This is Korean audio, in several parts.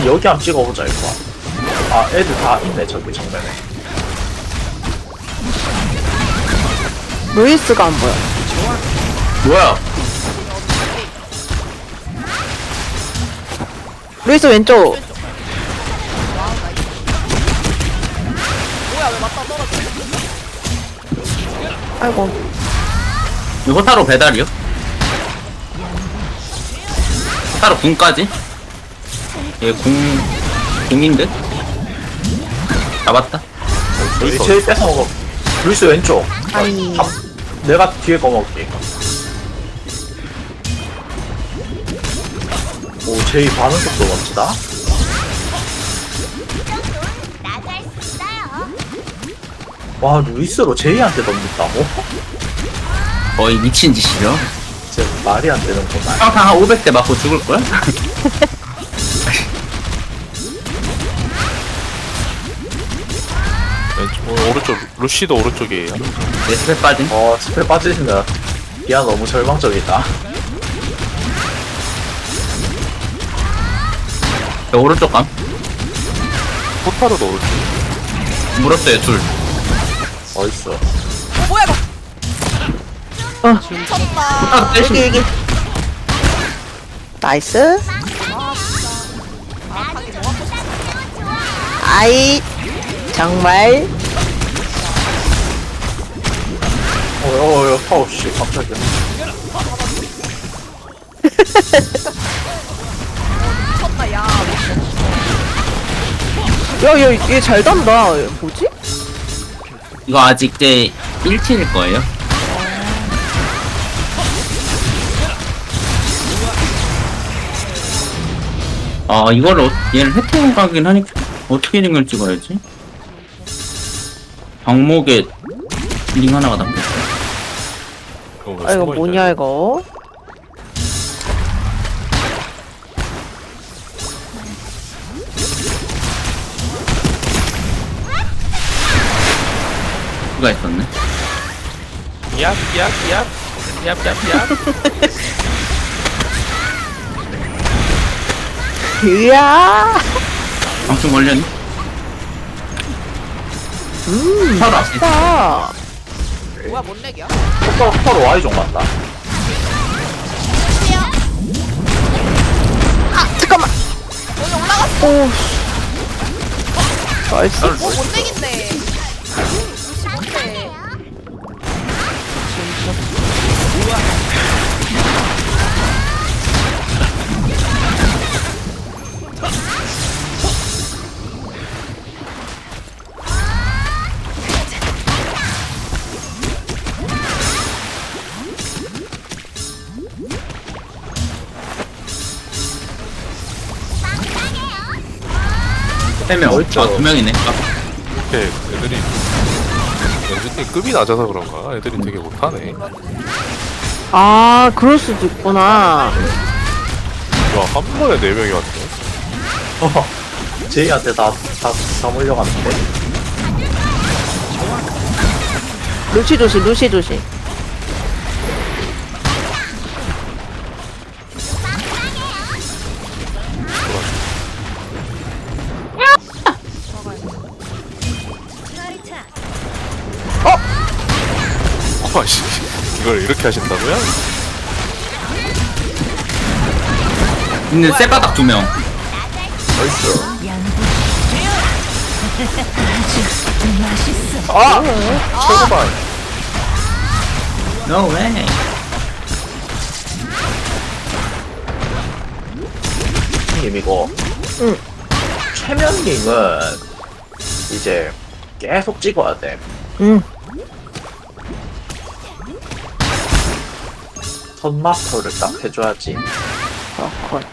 여기 한번 찍어보자 이거. 아 애들 다 있네 저기 정면에. 루이스가 안 보여. 뭐야? 루이스 왼쪽. 뭐야 왜 맞다 떨어져? 아이고. 이거 타로 배달이요? 타로 궁까지? 얘 궁인데? 잡았다. 루이스 제일 뺏어 먹어. 루이스 왼쪽. 아이. 내가 뒤에 거 먹을게. 오 제이 반응 속도 멋지다. 와 루이스로 제이한테 던진다고? 거의 미친 짓이죠. 진짜 말이 안 되는구나. 평타 한 500대 맞고 죽을걸? 왼쪽, 오른쪽 루시도 오른쪽이에요. 내 스펙 빠진. 스펠 빠지신다. 기아 너무 절망적이다. 저 오른쪽 감. 포타로도 오른쪽. 물었어요, 둘. 어딨어? 뭐야 이거? 어. 미쳤다. 아, 여기 여기. 나이스. 하기 뭐 하고 싶어? 아이. 정말. 파우 씨 깜짝이야. 미쳤다 야. 야, 얘 잘 단다. 뭐지? 이거 아직 제 1킬일 거예요. 이거를 얘를 혜택을 가긴 하니까 어떻게 링을 찍어야지? 방목에 링 하나가 담겼어. 아, 이거 뭐냐, 이거? 누가 있었네? 이야. 방충 걸렸니? 서로 앞에 아. 뭐야 뭔 렉이야? 파로 Y 좀 간다. 잠깐만. 여기 올라갔어. 오. 나이스. 뭔 렉인데? 루시 뭔데? 세 명. 어딨죠? 2명이네. 이렇게 애들이 연주팀 급이 낮아서 그런가? 애들이 되게 못하네. 아, 그럴 수도 있구나. 와, 한 번에 4명이 왔네. 제이한테 다 몰려갔는데. 루시 조심, 루시 조심. 와씨, 이걸 이렇게 하신다고요? 있는 쇠바닥 2명. 나이스. 최고반. No way. 형님 이거. 응. 최면링은 이제 계속 찍어야 돼. 응. 선 마스터를 딱 해줘야지. 컷.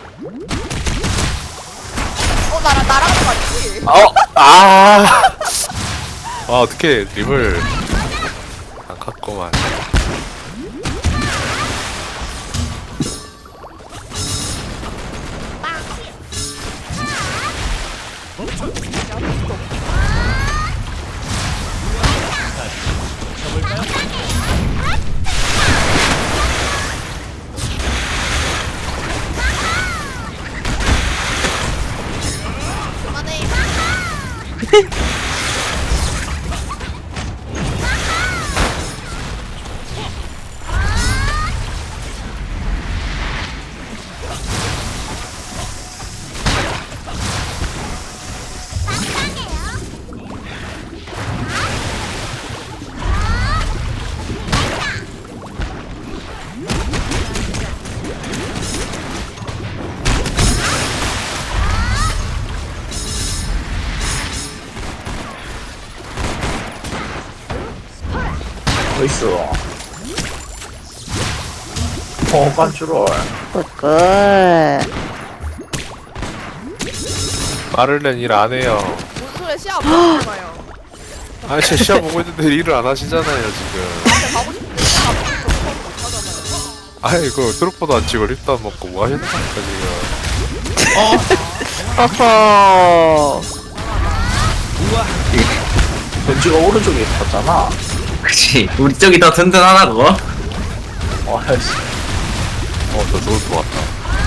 나랑 맞지? 어떻게 림을 안 갔구만. 나이스. 빤주롤. 굿. 마를렌 일 안 해요. 뭔 소리야 시합 못 봐요. 아니 제 시합 보고 있는데 일을 안 하시잖아요 지금. 나한테 가고 싶은데 시합 못 하잖아요. 아이 그 트로퍼도 안 치고 립도 안 먹고 뭐 하시는 겁니까 지금. 어허. 벤지가 오른쪽에 있었잖아. 그치. 우리 쪽이 더 든든하다고. 아이씨. 더 좋을 것 같다.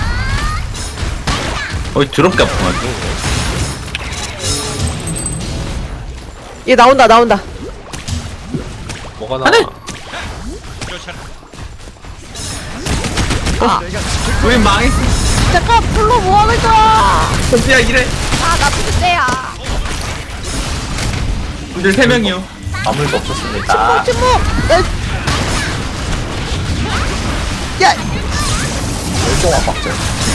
어이, 더럽게 아프만. 얘 나온다 나온다. 뭐가 나와? 우리 망했어. 잠깐 풀로 뭐 하는 거야? 현지야, 이래. 아나 누군데야. 우리 3명이요. 아무 일도 없었습니다. 침묵. 야. 멸종한 박제.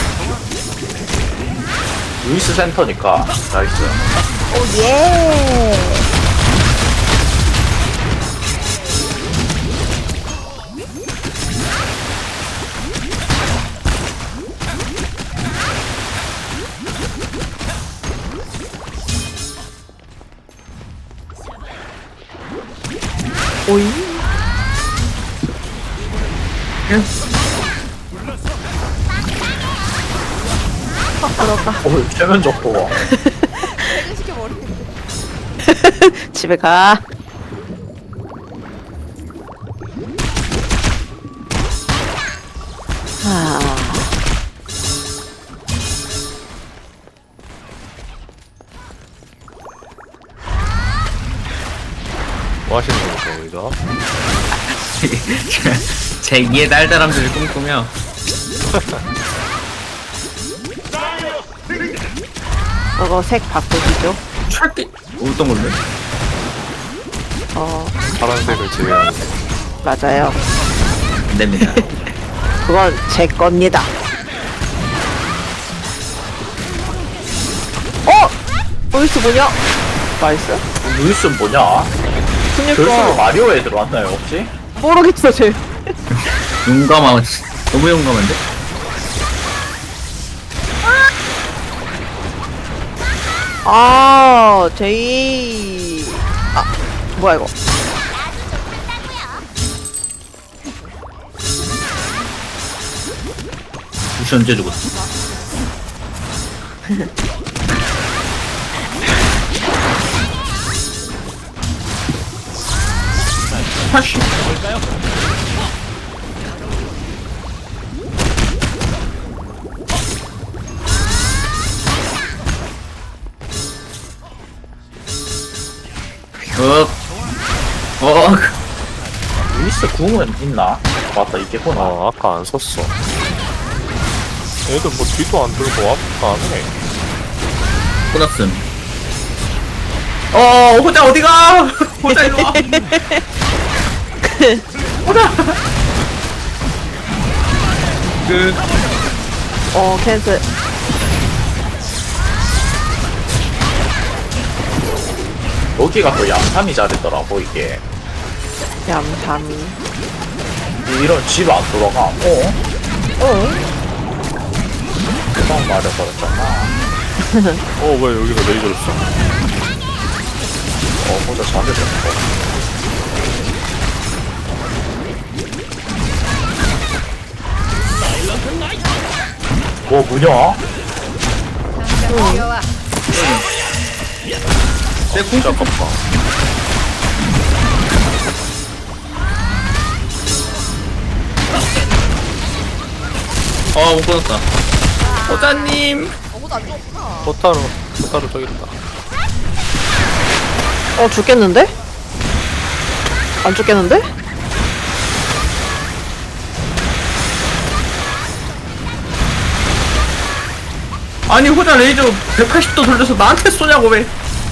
루이스 센터니까 나이스. 오 예. 오이. 최면 적도가. 퇴근시켜버리는데. 집에 가. 아. 뭐 하시는 겁니까 거기서? 제 2의 달달함들을 꿈꾸며. 저거 색 바꾸시죠. 철게. 어떤 걸로? 파란색을 제외하는. 맞아요. 안 됩니다. 그건 제 겁니다. 루이스 뭐냐? 나이스. 루이스는 뭐냐? 결승으로 그니까 마리오에 들어왔나요 혹시? 모르겠어 쟤. 용감하고 너무 용감한데? 아 제이. 아 뭐야 이거? 무시 언제 죽었어? 하씨. 루이스 궁은 있나? 맞다 있겠구나. 아까 안 썼어. 얘들 뭐 뒤도 안 들고 앞도 안 해. 끝났음. 호자 어디가? 호자 일로 와. 호자. 끝. 캔슬. 여기가 또 양삼이 잘했더라고 이게. 얌삼이. 이런 집 안 돌아가. 그만 말해버렸잖아. 왜 여기서 레이저를 써? 보자 잘해줬어. 뭐 뭐냐? 귀여워. 내 진짜 아깝다. 못 끊었다. 호자님. 너무 안 좋구나. 포타로 저기 있다. 죽겠는데? 안 죽겠는데? 아니 호자 레이저 180도 돌려서 나한테 쏘냐고 왜?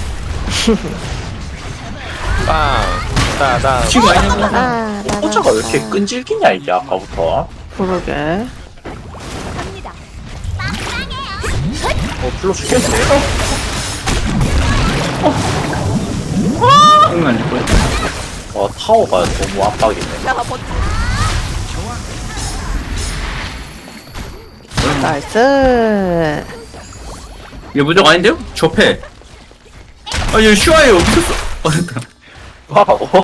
빵! 따당! 친구 아니냐고. 호자가 왜 이렇게 끈질기냐 이게 아까부터. 그러게. 풀로 죽겠네. 장난 아닐 거야. 타워가 너무 압박이네. 야, 버티. 나이스. 이거 무적 아닌데요? 접해. 아, 얘 슈아예요. 미쳤어. 됐다. 와,